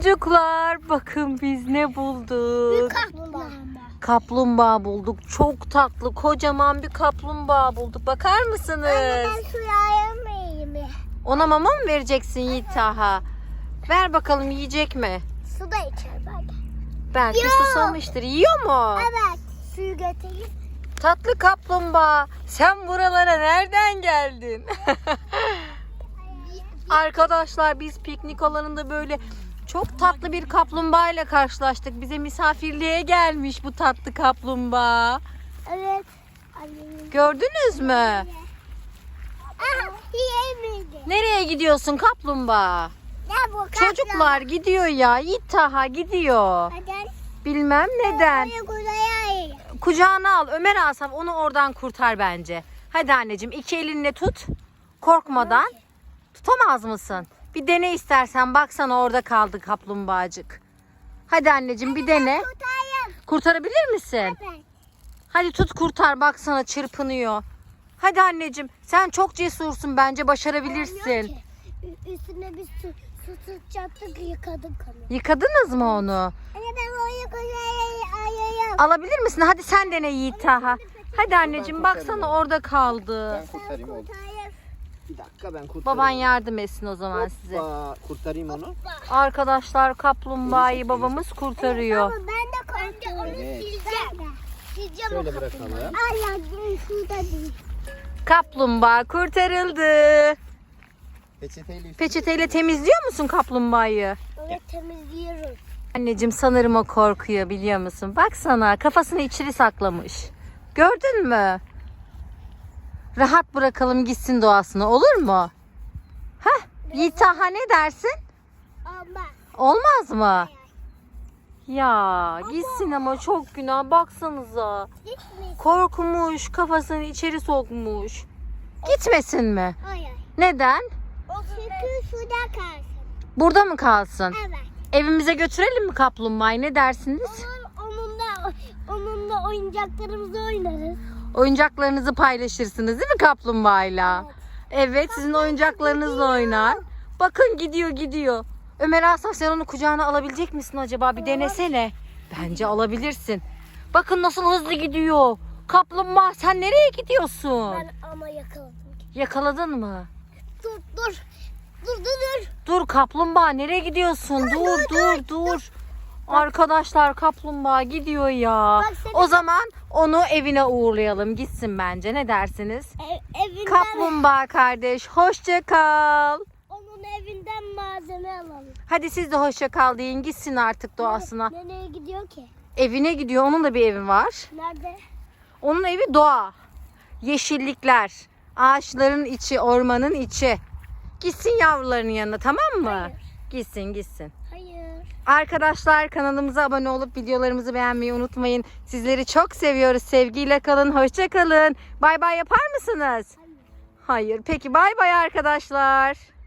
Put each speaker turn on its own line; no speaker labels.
Çocuklar bakın biz ne bulduk. Kaplumbağa bulduk. Çok tatlı kocaman bir kaplumbağa bulduk. Bakar mısınız?
Anne ben suya yemeğimi.
Ona mama mı vereceksin Yiğit Taha? Ver bakalım yiyecek mi?
Su da içer belki.
Belki
Yiyor.
susamıştır. Yiyor mu?
Evet. Suyu götüreyim.
Tatlı kaplumbağa. Sen buralara nereden geldin? Arkadaşlar biz piknik alanında böyle çok tatlı bir kaplumbağa ile karşılaştık. Bize misafirliğe gelmiş bu tatlı kaplumbağa.
Evet. Annemin.
Gördünüz mü?
Aha yemedi.
Nereye gidiyorsun kaplumbağa?
Ne bu
Çocuklar gidiyor ya. Yiğit Taha gidiyor.
Neden?
Bilmem neden.
Kuzeye
Kucağına al. Ömer Asaf onu oradan kurtar bence. Hadi anneciğim iki elinle tut. Korkmadan. Tutamaz mısın? Bir dene istersen. Baksana orada kaldı kaplumbağacık. Hadi anneciğim bir dene.
Kurtarayım.
Kurtarabilir misin?
Evet.
Hadi tut kurtar. Baksana çırpınıyor. Hadi anneciğim. Sen çok cesursun. Bence başarabilirsin.
Üstüne bir su tutacaktık yıkadık onu.
Yıkadınız mı onu?
Anne ben oraya kuzeye ayayım.
Alabilir misin? Hadi sen dene Yiğit Taha. Hadi anneciğim baksana orada kaldı.
Ben kurtarayım oğlum. Bir dakika ben kurtarayım.
Baban yardım etsin o zaman size.
Hoppa, kurtarayım onu.
Arkadaşlar kaplumbağayı babamız kurtarıyor.
Ben de korkuyorum.
Evet.
Sileceğim
Şöyle
o
bırakalım.
Ayağım şurada değil.
Kaplumbağa kurtarıldı.
Peçeteyle
Peçeteyle temizliyor musun kaplumbağayı?
Evet temizliyoruz.
Anneciğim sanırım o korkuyor biliyor musun? Baksana kafasını içeri saklamış. Gördün mü? Rahat bırakalım gitsin doğasına olur mu? Heh, Yiğit Taha ne dersin?
Ama
Olmaz mı? Ya gitsin ama çok günah baksanıza.
gitmesin.
Korkmuş kafasını içeri sokmuş. Gitmesin mi?
Hayır.
Neden?
Çünkü suda kalsın.
Burada mı kalsın?
Evet.
Evimize götürelim mi kaplumbağayı ne dersiniz?
Onunla oyuncaklarımızı oynarız.
Oyuncaklarınızı paylaşırsınız değil mi kaplumbağayla? Evet sizin oyuncaklarınızla oynar. Bakın gidiyor. Ömer Asaf sen onu kucağına alabilecek misin acaba? Bir denesene. Bence alabilirsin. Bakın nasıl hızlı gidiyor. Kaplumbağa sen nereye gidiyorsun?
Ben ama yakaladım.
Yakaladın mı?
Dur.
Dur kaplumbağa nereye gidiyorsun? Dur. Arkadaşlar kaplumbağa gidiyor ya.
Bak seni-
O zaman onu evine uğurlayalım. Gitsin bence. Ne dersiniz?
Evinden,
Kaplumbağa kardeş hoşça kal.
onun evinden malzeme alalım.
Hadi siz de hoşça kal deyin. Gitsin artık doğasına.
Nereye gidiyor ki?
Evine gidiyor. Onun da bir evi var.
Nerede?
Onun evi doğa. Yeşillikler. Ağaçların içi, ormanın içi. Gitsin yavrularının yanına tamam mı?
Hayır.
Gitsin.
Hayır.
Arkadaşlar kanalımıza abone olup videolarımızı beğenmeyi unutmayın. Sizleri çok seviyoruz. Sevgiyle kalın. Hoşça kalın. Bay bay yapar mısınız? Hayır. Peki bay bay arkadaşlar.